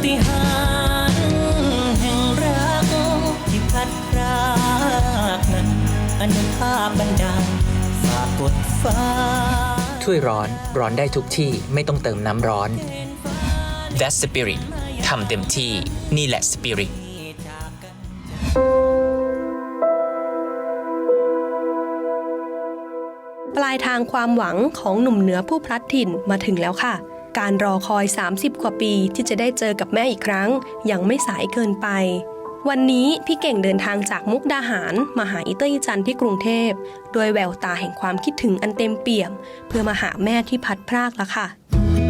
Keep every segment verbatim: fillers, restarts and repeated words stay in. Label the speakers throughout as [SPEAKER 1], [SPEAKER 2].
[SPEAKER 1] ฏิหาริย์แห่งรักที่พัดพรากนั้นอนุภาพบันดาลฝากกดฟ้า
[SPEAKER 2] ถ้วยร้อนร้อนได้ทุกที่ไม่ต้องเติมน้ำร้อน That's Spirit ทำเต็มที่นี่แหละ Spirit
[SPEAKER 3] ปลายทางความหวังของหนุ่มเหนือผู้พลัดถิ่นมาถึงแล้วค่ะการรอคอยสามสิบกว่าปีที่จะได้เจอกับแม่อีกครั้งยังไม่สายเกินไปวันนี้พี่เก่งเดินทางจากมุกดาหารมาหาอีเตอร์อีจันที่กรุงเทพโดยแววตาแห่งความคิดถึงอันเต็มเปี่ยมเพื่อมาหาแม่ที่พัดพรากแล้วค่ะ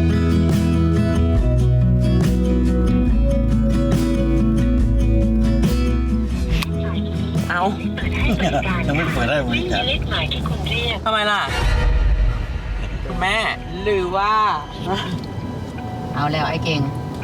[SPEAKER 2] เอา
[SPEAKER 4] ยังไม่เปิดได้บริการ
[SPEAKER 2] ทำไมล่ะคุณแม่หรือว่า
[SPEAKER 5] เอาแล้วไอ้เก่ง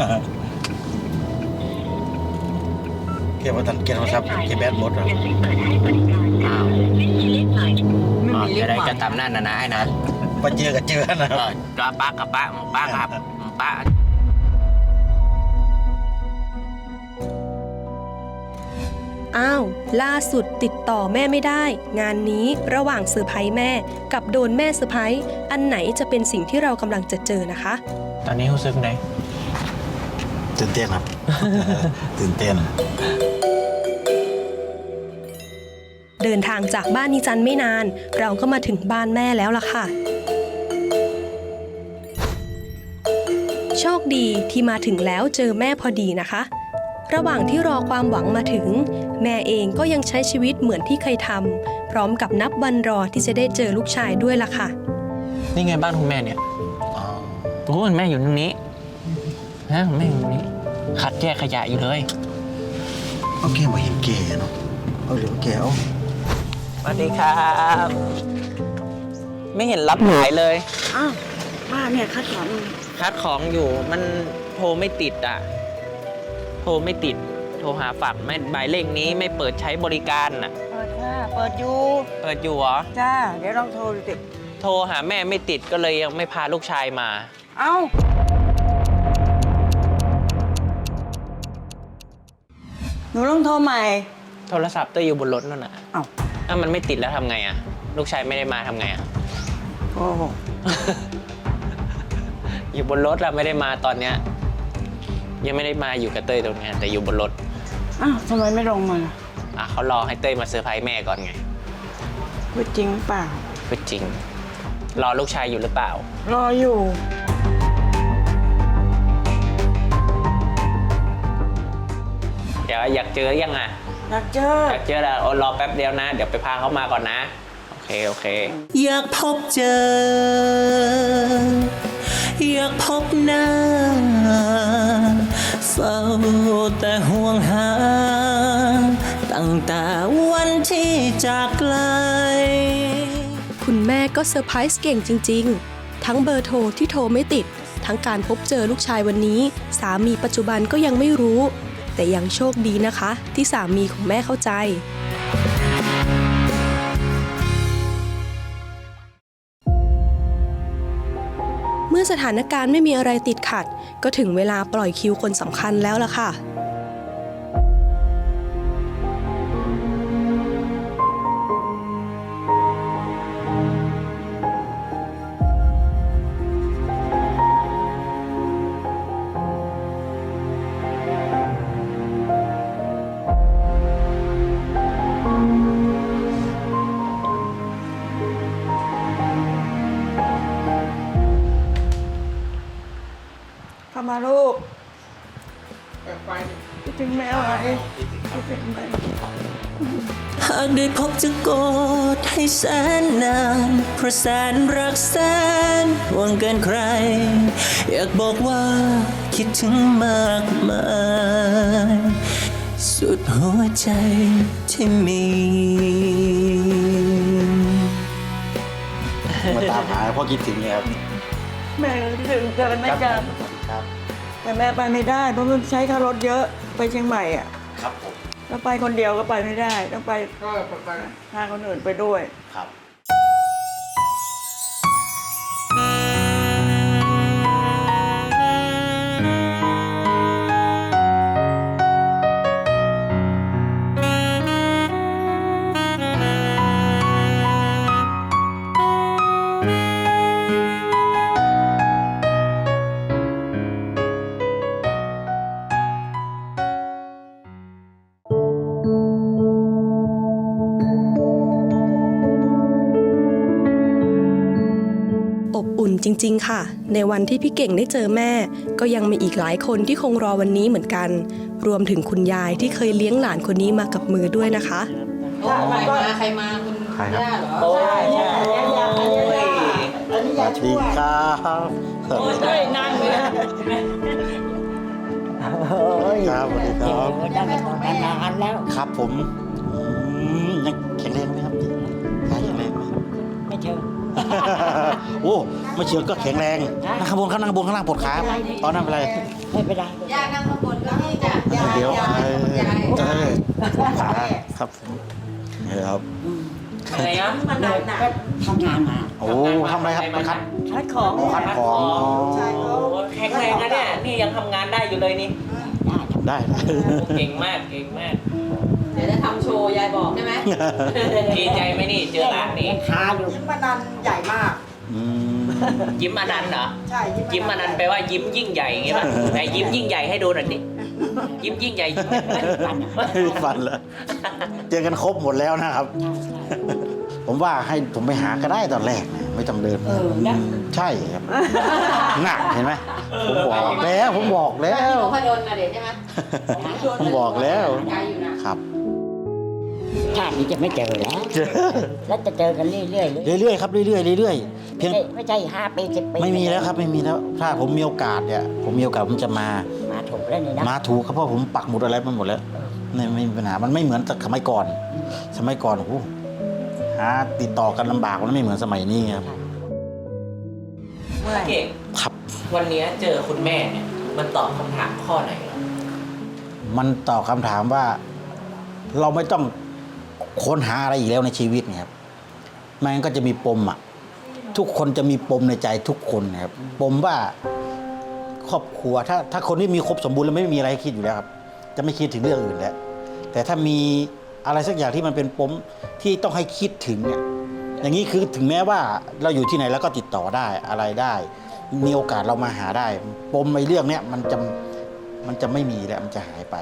[SPEAKER 4] เกี่ยวกับเกี่ยวกับซับเกี่ยวกับแบดหมดอ่ะ
[SPEAKER 2] อ้าว
[SPEAKER 5] ไม่มีเลขหมาย
[SPEAKER 2] จะได้จะตามนั่นนะนะไอ้นะ
[SPEAKER 4] มาเจอกับเจอนะครับ
[SPEAKER 2] ก็ป้ากับป้าป้าครับป้า
[SPEAKER 3] อ้าวล่าสุดติดต่อแม่ไม่ได้งานนี้ระหว่างเซอร์ไพรส์แม่กับโดนแม่เซอร์ไพรส์อันไหนจะเป็นสิ่งที่เรากำลังจะเจอนะคะ
[SPEAKER 2] ตอนนี้รู้สึกไง
[SPEAKER 4] ตื่นเต้นครับตื่นเต้น
[SPEAKER 3] เดินทางจากบ้านนิจันไม่นานเราก็มาถึงบ้านแม่แล้วล่ะค่ะโชคดีที่มาถึงแล้วเจอแม่พอดีนะคะระหว่างที่รอความหวังมาถึงแม่เองก็ยังใช้ชีวิตเหมือนที่เคยทำพร้อมกับนับวันรอที่จะได้เจอลูกชายด้วยล่ะค่ะ
[SPEAKER 2] นี่ไงบ้านคุณแม่เนี่ยโอ้แม่อยู่ตรงนี้ฮะแม่อยู่ตรงนี้คัดแยกขยะอยู่เลย
[SPEAKER 4] โอเคมาเห็นเก๋เนาะเอาเหลือเก๋เอา
[SPEAKER 2] สวัสดีครับไม่เห็นรับสายเลย
[SPEAKER 5] อ้าวป้าเนี่ยคัดของ
[SPEAKER 2] คัดของอยู่มันโทรไม่ติดอ่ะโทรไม่ติดโทรหาฝากไม่หมายเลขนี้ไม่เปิดใช้บริการน่ะ
[SPEAKER 5] เปิดค่ะเปิดอยู่
[SPEAKER 2] เปิดอยู่เหรอ
[SPEAKER 5] จ้าเดี๋ยวลองโทรดูสิ
[SPEAKER 2] โทรหาแม่ไม่ติดก็เลยยังไม่พาลูกชายมา
[SPEAKER 5] เอ้าหนูต้องโทรใหม่
[SPEAKER 2] โทรศัพท์ตัวอยู่บนรถนั่นน่ะ
[SPEAKER 5] เอ้า
[SPEAKER 2] ถ้ามันไม่ติดแล้วทำไงอ่ะลูกชายไม่ได้มาทำไงอ่ะ
[SPEAKER 5] โอ้
[SPEAKER 2] อยู่บนรถแล้วไม่ได้มาตอนเนี้ยยังไม่ได้มาอยู่กับเต้ยตรงนี้แต่อยู่บนรถ
[SPEAKER 5] อ้าวทำไมไม่ลงมา
[SPEAKER 2] อ่ะเขารอให้เต้ยมาเซอร์ไพรส์แม่ก่อนไง
[SPEAKER 5] พูดจริงเปล่า
[SPEAKER 2] พูดจริงรอลูกชายอยู่หรือเปล่าร
[SPEAKER 5] ออยู่
[SPEAKER 2] เดี๋ยวอยากเจอยังอ่ะ
[SPEAKER 5] อยากเจอ
[SPEAKER 2] อยากเจอแล้วรอแป๊บเดียวนะเดี๋ยวไปพาเขามาก่อนนะโอเคโอเค
[SPEAKER 1] อยากพบเจออยากพบหน้าเฝ้าแต่ห่วงหาตั้งแต่วันที่จากไกล
[SPEAKER 3] คุณแม่ก็เซอร์ไพรส์เก่งจริงๆทั้งเบอร์โทรที่โทรไม่ติดทั้งการพบเจอลูกชายวันนี้สามีปัจจุบันก็ยังไม่รู้แต่ยังโชคดีนะคะที่สามีของแม่เข้าใจเมื่อสถานการณ์ไม่มีอะไรติดขัดก็ถึงเวลาปล่อยคิวคนสำคัญแล้วล่ะค่ะ
[SPEAKER 5] เข้ามาลูกคิดถึงแม่ไหมคิดถึงแม่
[SPEAKER 1] หากได้พบจะกอดให้แสนนานเพราะแสนรักแสนห่วงเกินใครอยากบอกว่าคิดถึงมากมายสุดหัวใจที่มี
[SPEAKER 4] มาตามหาพ่อคิดถึงเนี่ยครับ
[SPEAKER 5] แม่คิดถึงเกินไม่จำแต่แม่ไปไม่ได้เพราะมันใช้ค่ารถเยอะไปเชียงใหม่อ่ะ
[SPEAKER 4] ครับผม
[SPEAKER 5] แล้วไปคนเดียวก็ไปไม่ได้ต้องไปก็ไปพาคนอื่นไปด้วย
[SPEAKER 4] ครับ
[SPEAKER 1] เ
[SPEAKER 3] จริงๆค่ะในวันที่พี่เก่งได้เจอแม่ ก็ยังมีอีกหลายคนที่คงรอวันนี้เหมือนกัน รวมถึงคุณยายที่เคยเลี้ยงหลานคนนี้มากับมือด้วยนะคะ
[SPEAKER 6] ใครมาใครมาคุณ
[SPEAKER 4] ใครครับ
[SPEAKER 6] ย่าเหรอ
[SPEAKER 2] โอ้ย
[SPEAKER 5] ใช่ใช่ยาอันนี้ยาอันนี้
[SPEAKER 4] ส
[SPEAKER 5] ยา
[SPEAKER 4] วัส
[SPEAKER 5] ช่
[SPEAKER 4] ดี
[SPEAKER 5] วย
[SPEAKER 4] ครับ
[SPEAKER 5] เฮ้ยนั่งเลยโอ้ย
[SPEAKER 4] ครับสวัสดีครับ
[SPEAKER 5] ยังไม่ทำงานแล้ว
[SPEAKER 4] ครับผมอืมยังแข็งแรงไหมครับพี่ยายแข็งแรงไหม
[SPEAKER 5] ไม่เชิง
[SPEAKER 4] โอ้ไม่เชื่อก็แข็งแรงนั่งข้างบนข้างนั่งข้างบนข้างล่างปวดขาตอนนั้นเป็นไร
[SPEAKER 5] ไม่เป็นไร
[SPEAKER 6] ย่านั่งข้างบนก็นี่จ้ะย่า
[SPEAKER 4] เดี๋ยว
[SPEAKER 6] ย่า
[SPEAKER 4] เออ
[SPEAKER 6] ย่า
[SPEAKER 4] เออปวดขาครับผมนี่ครับ
[SPEAKER 2] อะไรนะ
[SPEAKER 5] มันหนักหนักทำงานมา
[SPEAKER 4] โอ้ทำอะไรครับไปคัด
[SPEAKER 5] คัดของ
[SPEAKER 4] คัดของอ๋อ
[SPEAKER 5] ใช่เขา
[SPEAKER 2] แข็งแรงนะเนี่ยนี่ยังทำงานได้อยู่เลยนี่
[SPEAKER 5] ได้ทำ
[SPEAKER 4] ได้ได้
[SPEAKER 2] เก่งมากเก่งมาก
[SPEAKER 6] เดี๋ยวจะทำโชว์ยายบอกใช่ไหม
[SPEAKER 2] ดีใจไหมนี่เจอร้านนี้
[SPEAKER 5] คาอยู่ยิ้มมานันใหญ่มาก
[SPEAKER 4] อืม
[SPEAKER 2] ยิ้มอนันต์เหรอ
[SPEAKER 5] ใช่
[SPEAKER 2] ยิ้มอนันต์แปลว่ายิ้มยิ่งใหญ่อย่างงี้ป่ะไหนยิ้มยิ่งใหญ่ให้ดูหน่อยดิยิ้มยิ่งใหญ่ยิ้มไม่ฟัน
[SPEAKER 4] ไม่มีฟันแล้วเจอกันครบหมดแล้วนะครับ ผมว่าให้ผมไปหาก็ได้ตอนแรกนะไม่ต้องเดิน
[SPEAKER 5] เออนะ
[SPEAKER 4] ใช่ครับหนักเห็นไหมผมบอกแล้วผมบอกแล้
[SPEAKER 6] ที่
[SPEAKER 4] ว
[SPEAKER 6] นพดลนะเดี๋ยวใช่ไหม
[SPEAKER 4] ผมบอกแล้ว
[SPEAKER 6] ไกลอยู่นะครับ
[SPEAKER 5] ชาตินี้จะไม่เจอแล้ว แล้วจะเจอกันเรื่อยๆเลย
[SPEAKER 4] เรื่อยๆครับเรื่อยๆเรื่อยๆเพียง
[SPEAKER 5] ไม่ไม่ใช่ห้าปีสิบปี
[SPEAKER 4] ไม่มีแล้วครับไม่มีแล้ว ถ้าผมมีโอกาสเนี่ยผมมีโอกาสผมจะมา
[SPEAKER 5] มาถูกแล้วนี่นะ
[SPEAKER 4] มาถูกครับเพราะผมปักหมุดอะไรมาหมดแล้วไม่ไม่มีปัญหามันไม่เหมือนสมัยก่อน สมัยก่อนโอ้โหหาติดต่อกันลำบากมันไม่เหมือนสมัยนี้ครับ
[SPEAKER 2] เก่ง
[SPEAKER 4] ครับ
[SPEAKER 2] วันนี้เจอคุณแม่เนี่ยมันตอบคำถามข้อไหนเหรอ
[SPEAKER 4] มันตอบคำถามว่า เราไม่ต้องค้นหาอะไรอีกแล้วในชีวิตเนี่ยครับไม่งั้นก็จะมีปมอ่ะทุกคนจะมีปมในใจทุกคนนะครับปมว่าครอบครัวถ้าถ้าคนที่มีครบสมบูรณ์แล้วไม่มีอะไรให้คิดอยู่แล้วครับ จะไม่คิดถึงเรื่องอื่นแล้วแต่ถ้ามีอะไรสักอย่างที่มันเป็นปมที่ต้องให้คิดถึงเนี่ยอย่างนี้คือถึงแม้ว่าเราอยู่ที่ไหนแล้วก็ติดต่อได้อะไรได้ มีโอกาสเรามาหาได้ ปมในเรื่องเนี้ยมันจะมันจะไม่มีแล้วมันจะหายไป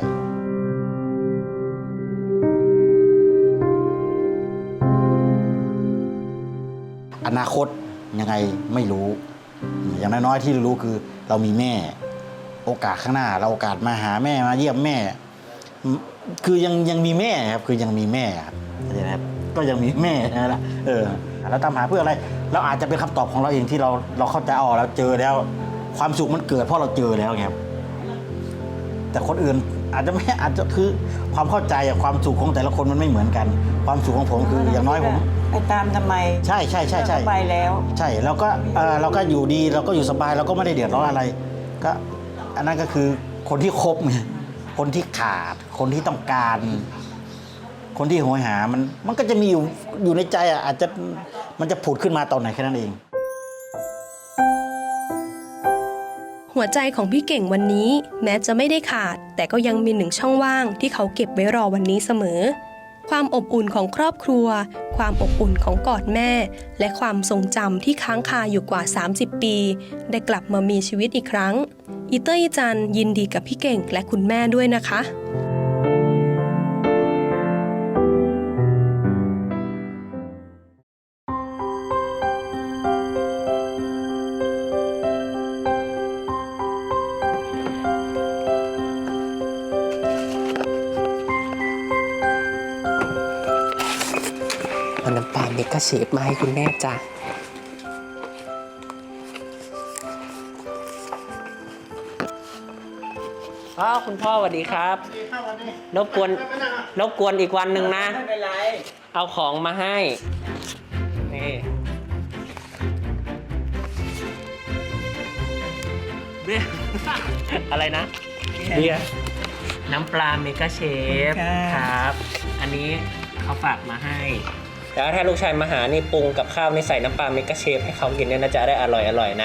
[SPEAKER 4] อนาคตยังไงไม่รู้ อย่างน้อยๆที่รู้คือเรามีแม่ โอกาสข้างหน้า เราโอกาสมาหาแม่มาเยี่ยมแม่ คือยังยังมีแม่ครับคือยังมีแม่ครับเข้าใจไหมครับก็ยังมีแม่นั่นแหละเออเราตามหาเพื่ออะไร เราอาจจะเป็นคำตอบของเราเองที่เราเราเข้าใจอ๋อเราเจอแล้ว ความสุขมันเกิดเพราะเราเจอแล้วไงครับแต่คนอื่นอาจจะไม่อาจจะคือความเข้าใจกับความสุขของแต่ละคนมันไม่เหมือนกัน ความสุขของผมคืออย่างน้อยผม
[SPEAKER 5] ไปตามทำไม
[SPEAKER 4] ใช่ใช่ใช่ใช่
[SPEAKER 5] ไปแล้ว
[SPEAKER 4] ใช่เราก็เออเราก็อยู่ดีเราก็อยู่สบายเราก็ไม่ได้เดือดร้อนอะไร ก็อันนั้นก็คือคนที่คบไงคนที่ขาด คนที่ต้องการ คนที่โหยหามันมันก็จะมีอยู่อยู่ในใจอ่ะอาจจะมันจะผุดขึ้นมาตอนไหนแค่นั้นเอง
[SPEAKER 3] หัวใจของพี่เก่งวันนี้แม้จะไม่ได้ขาด แต่ก็ยังมีหนึ่งช่องว่างที่เขาเก็บไว้รอวันนี้เสมอ ความอบอุ่นของครอบครัว ความอบอุ่นของกอดแม่ และความทรงจำที่ค้างคาอยู่กว่า สามสิบ ปี ได้กลับมามีชีวิตอีกครั้ง อีเตอร์อีจันยินดีกับพี่เก่งและคุณแม่ด้วยนะคะ
[SPEAKER 1] เอาน้ำปลาเมกะเชฟมาให้คุณแม่จ้ะ
[SPEAKER 2] อ๋อคุณพ่อสวัสดีครับรบกวนรบกวนอีกวันหนึ่งนะ
[SPEAKER 5] ไม่เป็นไร
[SPEAKER 2] เอาของมาให้นี่เบียร์ อะไรนะเบียร์น้ำปลาเมกะเชฟ
[SPEAKER 5] ค่ะ
[SPEAKER 2] ครับ อันนี้เขาฝากมาให้ แล้วถ้าลูกชายมาหานี่ปรุงกับข้าวนี่ใส่น้ำปลาเมกะเชฟให้เขากินเนี่ยน่าจะได้อร่อยอร่อยนะ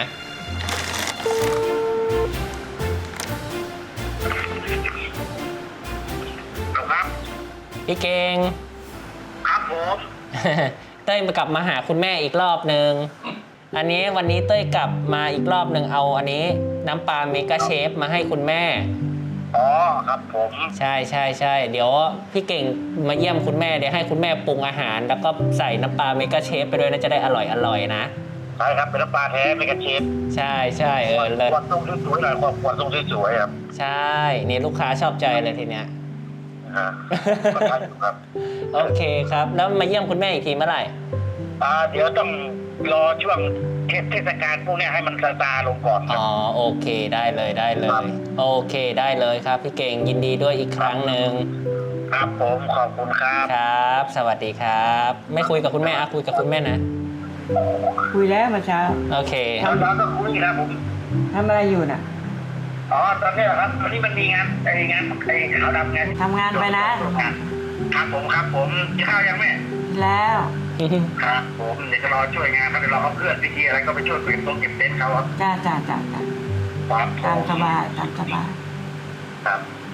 [SPEAKER 2] พี่เก่ง
[SPEAKER 7] ครับผม
[SPEAKER 2] เต้ยมากลับมาหาคุณแม่อีกรอบหนึ่ง อันนี้วันนี้เต้ยกลับมาอีกรอบหนึ่งเอาอันนี้น้ำปลาเมกะเชฟมาให้คุณแม่
[SPEAKER 7] อ๋อครับผม
[SPEAKER 2] ใช่ใช่ใช่เดี๋ยวพี่เก่งมาเยี่ยมคุณแม่เดี๋ยวให้คุณแม่ปรุงอาหาร แล้วก็ใส่น้ำปลาเมกะเชฟไปด้วยนะจะได้อร่อยอร่อยนะ
[SPEAKER 7] ใช่ครับเป็นน้ำปลาแท้ไม่กันเชฟ
[SPEAKER 2] ใช่ใช่เออเลิศ
[SPEAKER 7] ขวดทรงสวยๆหน่อยขวดขวดทรงสวยๆครับ
[SPEAKER 2] ใช่ นี่ลูกค้าชอบใจเลยทีเนี้ย
[SPEAKER 7] ฮะก็ใช่อยู่ครับ
[SPEAKER 2] โอเคครับ แล้วมาเยี่ยมคุณแม่อีกทีเมื่อไหร่
[SPEAKER 7] อ่าเดี๋ยวต้องรอช่วงเทศกาลพวกเนี้ยให้มันซาซาลงก่อนค
[SPEAKER 2] อ๋
[SPEAKER 7] รับ
[SPEAKER 2] อโอเคได้เลยได้เล
[SPEAKER 7] ครั
[SPEAKER 2] ย
[SPEAKER 7] บ
[SPEAKER 2] โอเคได้เลยครับพี่เก่งยินดีด้วยอีกครั้งหนึ่ง
[SPEAKER 7] ครับผมขอบคุณครับ
[SPEAKER 2] ครับ สวัสดีครับ ไม่คุยกับคุณแม่อะคุยกับคุณแม่นะ
[SPEAKER 5] คุยแล้วเมื่อเช้า
[SPEAKER 2] โอเค
[SPEAKER 7] ตอนเราก็คุยครับผม
[SPEAKER 5] ทำอะไรอยู่น่ะ
[SPEAKER 7] อ๋อตอนนี้เหรอครับวันนี้มันมีงานไอ้งานไอ้ขาวดำงาน
[SPEAKER 5] ทำงานไปนะ
[SPEAKER 7] ครับผมครับผมกินข้าวยังแม่
[SPEAKER 5] แล้ว
[SPEAKER 7] ครับผมเดี๋ยวจะรอช่วยงานครับเดี๋ยวเราเอาเพื่อนพิธีอะไรก็ไปช่วยเก็บตรงเก็บเต็นท์เขาครับ
[SPEAKER 5] จ้าจ้าจ้าจ้า
[SPEAKER 7] ครับผ
[SPEAKER 5] ตามสบายตามสบาย
[SPEAKER 7] ครับ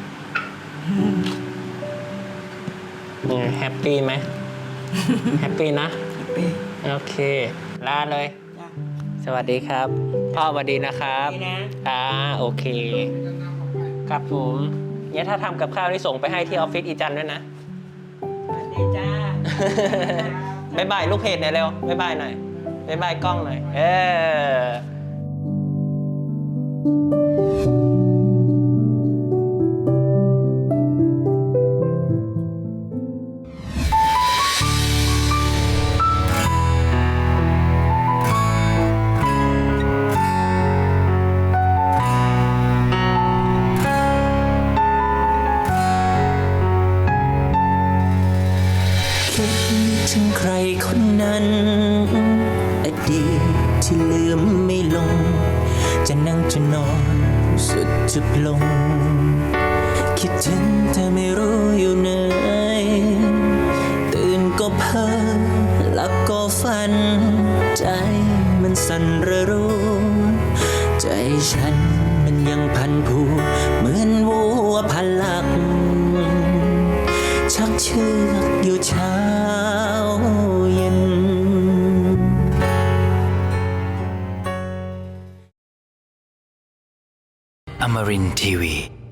[SPEAKER 2] แฮปปี้ไหม แฮปปี้นะ
[SPEAKER 5] ปี
[SPEAKER 2] โอเค ลาเลย
[SPEAKER 5] จ้า
[SPEAKER 2] สวัสดีครับ พ่อสวัสดีนะครับ
[SPEAKER 5] ดีนะ
[SPEAKER 2] อ่าโอเค ครับผมเนี่ยถ้าทำกับข้าวที่ส่งไปให้ที่ออฟฟิศอีจันด้วยนะ
[SPEAKER 5] สวัสดีจ้า
[SPEAKER 2] บายบายลูกเพจหน่อยเร็วบายบายหน่อยบายบายกล้องหน่อย เออ
[SPEAKER 1] คิดถึงใครคนนั้น อดีตที่ลืมไม่ลง จะนั่งจะนอนสุดจะปลง คิดถึงแต่ไม่รู้อยู่ไหนตื่นก็เพ้อหลับก็ฝัน ใจมันสั่นระรู้ ใจฉันมันยังพันผูเหมือนวัวพันหลัก ชักเชือกอยู่เช้าเย็น
[SPEAKER 8] Amarin Tiwi.